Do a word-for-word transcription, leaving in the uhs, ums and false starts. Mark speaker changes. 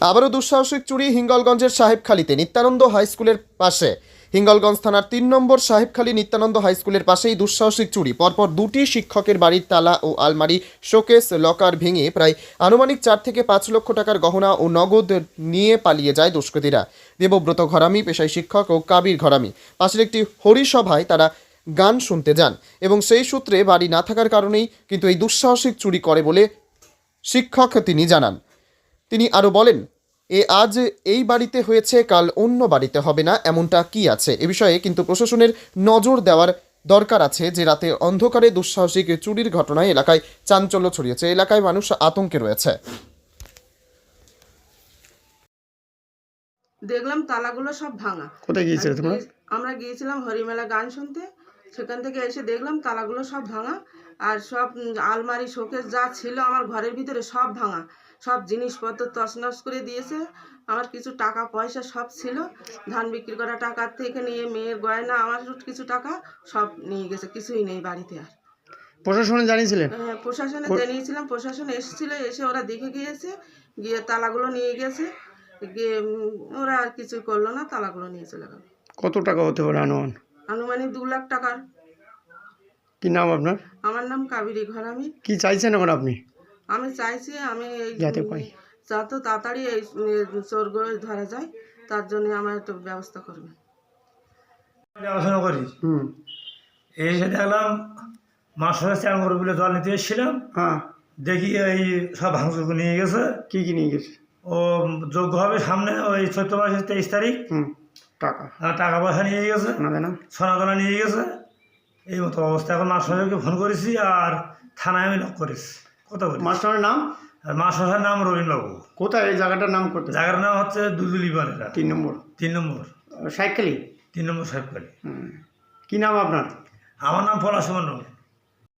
Speaker 1: আবারও দুঃসাহসিক চুরি হিঙ্গলগঞ্জের সাহেবখালীতে নিত্যানন্দ হাই স্কুলের পাশে। হিঙ্গলগঞ্জ থানার তিন নম্বর সাহেবখালী নিত্যানন্দ হাই স্কুলের পাশেই দুঃসাহসিক চুরি। পরপর দুটি শিক্ষকের বাড়ির তালা ও আলমারি, শোকেস, লকার ভেঙে প্রায় আনুমানিক চার থেকে পাঁচ লক্ষ টাকার গহনা ও নগদ নিয়ে পালিয়ে যায় দুষ্কৃতীরা। দেবব্রত ঘরামি পেশায় শিক্ষক ও কাবির ঘরামি পাশের একটি হরিসভায় তারা গান শুনতে যান এবং সেই সূত্রে বাড়ি না থাকার কারণেই কিন্তু এই দুঃসাহসিক চুরি করে বলে শিক্ষক তিনি জানান। তিনি আরও বলেন, এ আজ এই বাড়িতে হয়েছে, কাল অন্য বাড়িতে হবে না, এমনটা কি আছে? এ বিষয়ে কিন্তু প্রশাসনের নজর দেওয়ার দরকার আছে। যে রাতে অন্ধকারে দুঃসাহসিক চুরির ঘটনায় এলাকায় চাঞ্চল্য ছড়িয়েছে, এলাকায় মানুষ আতঙ্কে রয়েছে।
Speaker 2: দেখলাম তালাগুলো সব ভাঙা।
Speaker 3: কোথায় গিয়েছিলে তোমরা?
Speaker 2: আমরা গিয়েছিলাম হরিমেলা গান শুনতে, সেখান থেকে এসে দেখলাম তালাগুলো সব ভাঙা, আর সব আলমারি, শোকেস যা ছিল আমার ঘরের ভিতরে সব ভাঙা, সব জিনিসপত্র তছনছ করে দিয়েছে। আমার কিছু টাকা পয়সা সব ছিল, ধান বিক্রি করা টাকার থেকে নিয়ে মেয়ের গয়না, আমার কিছু টাকা সব নিয়ে গেছে, কিছুই নেই বাড়িতে। আর
Speaker 3: প্রশাসনে জানিয়েছিলেন?
Speaker 2: হ্যাঁ, প্রশাসনে জানিয়েছিলাম, প্রশাসন এসেছিল, এসে ওরা দেখে গিয়েছে, গিয়ে তালাগুলো নিয়ে গেছে, গিয়ে ওরা আর কিছু করলো না, তালাগুলো নিয়ে চলে গেল।
Speaker 3: কত টাকা হতে পারে আনুমান?
Speaker 2: আনুমানিক দু লাখ টাকার।
Speaker 3: কি নাম আপনার?
Speaker 2: আমার নাম কাবেরী ঘরামি।
Speaker 3: কি চাইছেন এখন আপনি?
Speaker 2: আমি চাইছি আমি এই
Speaker 3: যাতে পাই
Speaker 2: যত তাড়াতাড়ি এই চোরগুলো ধরা যায়, তার জন্য আমার একটু ব্যবস্থা করবেন।
Speaker 4: দেখাশোনা করি,
Speaker 3: হুম
Speaker 4: এসে দেখলাম মাছ ধরে চান করে বলে জল নিতে এসেছিলাম,
Speaker 3: হ্যাঁ,
Speaker 4: দেখি এই সব ভাঙচুর নিয়ে গেছে।
Speaker 3: কি কি নিয়ে গেছে?
Speaker 4: ও যোগ্য হবে সামনে ওই চৈত্র মাসের তেইশ তারিখ,
Speaker 3: হুম টাকা
Speaker 4: আর টাকা পয়সা নিয়ে গেছে,
Speaker 3: না দেনা
Speaker 4: সোনাদানা নিয়ে গেছে। এই মতো অবস্থা। এখন মাস্টারকে ফোন করেছি আর থানায় আমি লক করেছি। কথা বলি,
Speaker 3: মাস্টারের নাম?
Speaker 4: আর মাস্টারের নাম রবীন্দ্রবাবু।
Speaker 3: কোথায় এই জায়গাটার নাম? করতে
Speaker 4: জায়গার নাম হচ্ছে দুলদুলি পাড়া,
Speaker 3: তিন নম্বর
Speaker 4: তিন নম্বর
Speaker 3: সাইকেলি
Speaker 4: তিন নম্বর সাহেবকালী।
Speaker 3: হুম কি নাম আপনার?
Speaker 4: আমার নাম পলাশ মণ্ডল।